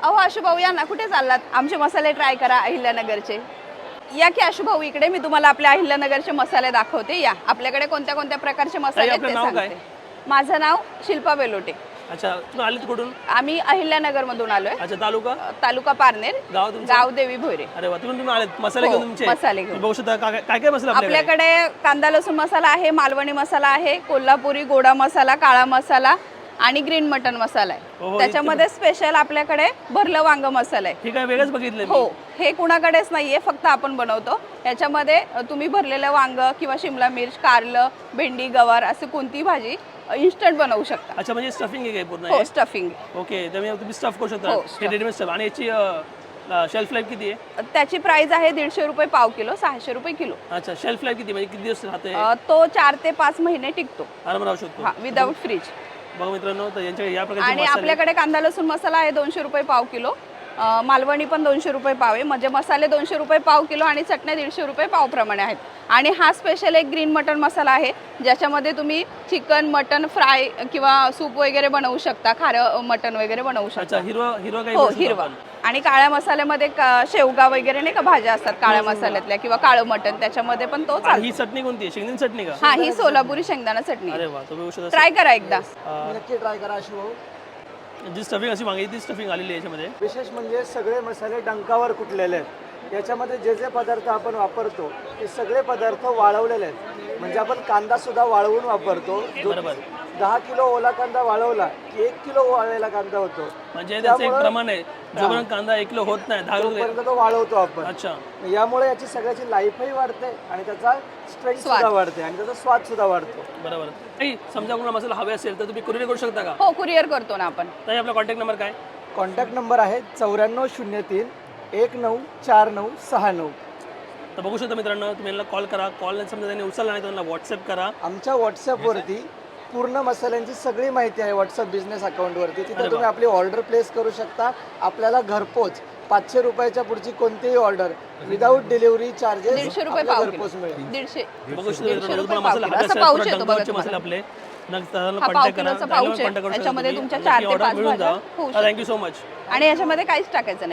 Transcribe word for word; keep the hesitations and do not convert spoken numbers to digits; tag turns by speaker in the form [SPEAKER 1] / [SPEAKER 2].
[SPEAKER 1] अहो आशुभाऊ या ना, कुठे चाललात? आमचे मसाले ट्राय करा अहिल्यानगरचे. या की आशुभाऊ इकडे, मी तुम्हाला आपल्या अहिल्यानगरचे मसाले दाखवते. या, आपल्याकडे कोणत्या कोणत्या प्रकारचे मसाले आहेत ते सांगते. माझं नाव शिल्पा बेलोटे.
[SPEAKER 2] अच्छा, तुम्ही आलेत कुठून?
[SPEAKER 1] आम्ही अहिल्यानगर मधून आलोय.
[SPEAKER 2] अच्छा, तालुका
[SPEAKER 1] तालुका पारनेर,
[SPEAKER 2] गाव तुमचं?
[SPEAKER 1] गाव देवी भोयरे.
[SPEAKER 2] अरे वा, तुम्ही तुम्ही आलेत मसाले
[SPEAKER 1] हो,
[SPEAKER 2] घेऊन तुमचे?
[SPEAKER 1] मसाले घेऊन.
[SPEAKER 2] बघू शकता काय काय काय मसाला आपल्याकडे?
[SPEAKER 1] आपल्याकडे कांदा लसूण मसाला आहे, मालवणी मसाला आहे, कोल्हापुरी गोडा मसाला, काळा मसाला आणि ग्रीन मटन मसाला आहे. त्याच्यामध्ये स्पेशल आपल्याकडे भरलं वांग मसाला आहे.
[SPEAKER 2] ठीक आहे, वेगळंच बघितलं.
[SPEAKER 1] हो, हे कुणाकडेच नाहीये, फक्त आपण बनवतो. याच्यामध्ये तुम्ही भरलेलं वांग किंवा शिमला मिर्च, कारलं, भेंडी, गवार अशी कोणतीही भाजी इन्स्टंट बनवू शकता.
[SPEAKER 2] अच्छा, म्हणजे स्टफिंग आहे पूर्ण?
[SPEAKER 1] हो, स्टफिंग.
[SPEAKER 2] ओके, तर तुम्ही स्टफ करू शकता.
[SPEAKER 1] हो,
[SPEAKER 2] हे रेडीमेड स्टफ. आणि याची शेल्फ लाईफ किती आहे?
[SPEAKER 1] त्याची प्राइस आहे दीडशे रुपये पाव किलो, सहाशे रुपये किलो.
[SPEAKER 2] अच्छा, शेल्फ लाईफ किती, म्हणजे किती दिवस राहते?
[SPEAKER 1] तो चार ते पाच महिने टिकतो.
[SPEAKER 2] आराम राहू शकतो.
[SPEAKER 1] हा, विदाउट फ्रीज.
[SPEAKER 2] बघा मित्रांनो, तर यांच्याकडे या प्रकारचे
[SPEAKER 1] आणि आपल्याकडे कांदा लसूण मसाला आहे दोनशे रुपये पाव किलो. मालवणी पण दोनशे रुपये पाव आहे. म्हणजे मसाले दोनशे रुपये पाव किलो आणि चटण्या दीडशे रुपये पाव प्रमाणे आहेत. आणि हा स्पेशल एक ग्रीन मटन मसाला आहे, ज्याच्यामध्ये तुम्ही चिकन मटन फ्राय किंवा सूप वगैरे बनवू शकता, खारं मटन वगैरे बनवू शकता.
[SPEAKER 2] अच्छा, हिरवा हिरवा काही?
[SPEAKER 1] हो, हिरवा. आणि काळ्या मसाल्यामध्ये शेवगा वगैरे नाही का भाज्या असतात काळ्या मसाल्यातल्या, किंवा काळं मटन, त्याच्यामध्ये पण तो चालतो.
[SPEAKER 2] ही चटणी कोणती आहे? शेंगदाणे चटणी का?
[SPEAKER 1] हा, ही सोलापुरी शेंगदाणा चटणी.
[SPEAKER 2] अरे वा, तुम्ही
[SPEAKER 1] ट्राय करा एकदा.
[SPEAKER 3] नक्की ट्राय करा आशुभाऊ.
[SPEAKER 2] जी स्टफिंग अशी मागितली ती स्टफिंग आलेली आहे याच्यामध्ये.
[SPEAKER 3] विशेष म्हणजे सगळे मसाले डंकावर कुटलेले आहेत. याच्यामध्ये जे जे पदार्थ आपण वापरतो ते सगळे पदार्थ वाळवलेले आहेत. म्हणजे आपण कांदा सुद्धा वाळवून वापरतो.
[SPEAKER 2] बरोबर.
[SPEAKER 3] दहा किलो ओला कांदा वाळवला की एक किलो वाळलेला कांदा होतो.
[SPEAKER 2] म्हणजे त्याचं एक प्रमाण आहे, जोपर्यंत कांदा एक किलो होत नाही दहा किलो
[SPEAKER 3] तो वाळवतो आपण.
[SPEAKER 2] अच्छा,
[SPEAKER 3] यामुळे याची सगळ्याची लाईफही वाढते आणि त्याचा स्ट्रेंथ सुद्धा वाढते आणि त्याचा स्वाद सुद्धा वाढतो.
[SPEAKER 2] बरोबर. काही समजा कोणाला मसाला हवे असेल तर तुम्ही कुरिअर करू शकता का?
[SPEAKER 1] हो, कुरिअर करतो ना आपण.
[SPEAKER 2] तर आपला कॉन्टॅक्ट नंबर काय?
[SPEAKER 3] कॉन्टॅक्ट नंबर आहे चौऱ्याण्णव शून्य तीन एक नऊ चार नऊ सहा नऊ.
[SPEAKER 2] तर बघू शकता मित्रांनो, तुम्ही यांना कॉल करा. कॉल समजा त्यांनी उचलला नाही तर त्यांना व्हॉट्सअप करा.
[SPEAKER 3] आमच्या व्हॉट्सअपवरती पूर्ण मसाल्यांची सगळी माहिती आहे व्हॉट्सअप बिझनेस अकाउंटवरती. तिथे तुम्ही आपली ऑर्डर प्लेस करू शकता. आपल्याला घरपोच पाचशे रुपयाच्या पुढची कोणतीही ऑर्डर विदाऊट डिलिव्हरी चार्जेस
[SPEAKER 1] दीडशे रुपये पाव
[SPEAKER 3] घरपोच मिळेल.
[SPEAKER 1] दीडशे
[SPEAKER 2] बघू शकता
[SPEAKER 1] दीडशे रुपये
[SPEAKER 2] मसाला
[SPEAKER 1] पाव किलो.
[SPEAKER 2] हवे
[SPEAKER 1] असं
[SPEAKER 2] असेल
[SPEAKER 1] पाऊच
[SPEAKER 2] तर
[SPEAKER 1] येतो बघा
[SPEAKER 2] डंकावरचे मसाले
[SPEAKER 1] तुम्हाला.
[SPEAKER 2] आपले नक्की
[SPEAKER 1] हा, पाव
[SPEAKER 2] कॉन्टॅक्ट करा.
[SPEAKER 1] किलोचा पाऊच आहे.
[SPEAKER 2] कॉन्टॅक्ट करू
[SPEAKER 1] याच्यामध्ये
[SPEAKER 2] शकता
[SPEAKER 1] तुमच्या
[SPEAKER 2] तुम्ही.
[SPEAKER 1] चार ते
[SPEAKER 2] ऑर्डर
[SPEAKER 1] पाच
[SPEAKER 2] मिळून
[SPEAKER 1] भाज्या
[SPEAKER 2] जा.
[SPEAKER 1] होऊ शकतात.
[SPEAKER 2] Thank you so much.
[SPEAKER 1] आणि याच्यामध्ये काहीच टाकायचं नाही.